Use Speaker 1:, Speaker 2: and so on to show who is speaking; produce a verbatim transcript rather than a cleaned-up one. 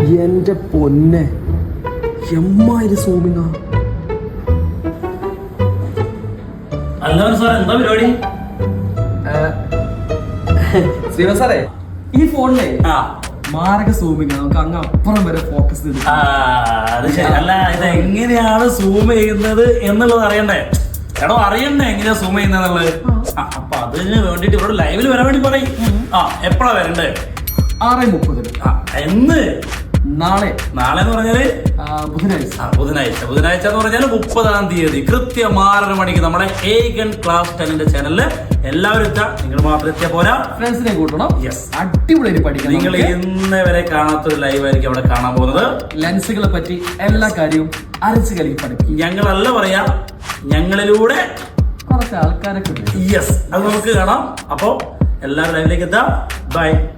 Speaker 1: എന്റെ പൊന്നെ എമ്മാതിരി സൂമിങ്ങ.
Speaker 2: അല്ല സാർ എന്താ പരിപാടി?
Speaker 1: ശ്രീവ സാറേ, ഈ ഫോണിലെ
Speaker 2: ആ
Speaker 1: മാരക സൂമിങ് നമുക്ക് അങ്ങ് അപ്പുറം വരെ ഫോക്കസ് ചെയ്ത്.
Speaker 2: ആ, അത് ശരി. അല്ല ഇത് എങ്ങനെയാണ് സൂം ചെയ്യുന്നത് എന്നുള്ളത് അറിയണ്ടേ? എടോ അറിയണ്ടേ എങ്ങനെയാ സൂം ചെയ്യുന്നത്? അപ്പൊ അതിന് വേണ്ടിട്ട് ഇവിടെ ലൈവിൽ വരാൻ വേണ്ടി പറയും. ആ എപ്പോഴാ വരണ്ടേ?
Speaker 1: ആറ് മുപ്പതിന്.
Speaker 2: ആ എന്ന്?
Speaker 1: നാളെ.
Speaker 2: നാളെ എന്ന് പറഞ്ഞാല്
Speaker 1: ബുധനാഴ്ച.
Speaker 2: ആ ബുധനാഴ്ച. ബുധനാഴ്ച എന്ന് പറഞ്ഞാൽ മുപ്പതാം തീയതി കൃത്യം ആറര മണിക്ക് നമ്മുടെ ഏകൻ ക്ലാസ് ടെന്നിന്റെ ചാനലില് എല്ലാവരും എത്താം. നിങ്ങൾ മാത്രം എത്തിയാ പോരാ,
Speaker 1: ഫ്രണ്ട്സിനെ കൂട്ടണം.
Speaker 2: യെസ്,
Speaker 1: അടിപൊളി പഠിക്കണം.
Speaker 2: നിങ്ങൾ ഇന്ന് വരെ കാണാത്തൊരു ലൈവ് ആയിരിക്കും അവിടെ കാണാൻ പോകുന്നത്.
Speaker 1: ലെൻസുകളെ പറ്റി എല്ലാ കാര്യവും അരച്ച് കലക്കി പഠിക്കും.
Speaker 2: ഞങ്ങളല്ല പറയാ, ഞങ്ങളിലൂടെ
Speaker 1: കുറച്ച് ആൾക്കാരൊക്കെ.
Speaker 2: യെസ്, അത് നമുക്ക് കാണാം. അപ്പോ എല്ലാവരും ലൈവിലേക്ക് എത്താം. ബൈ.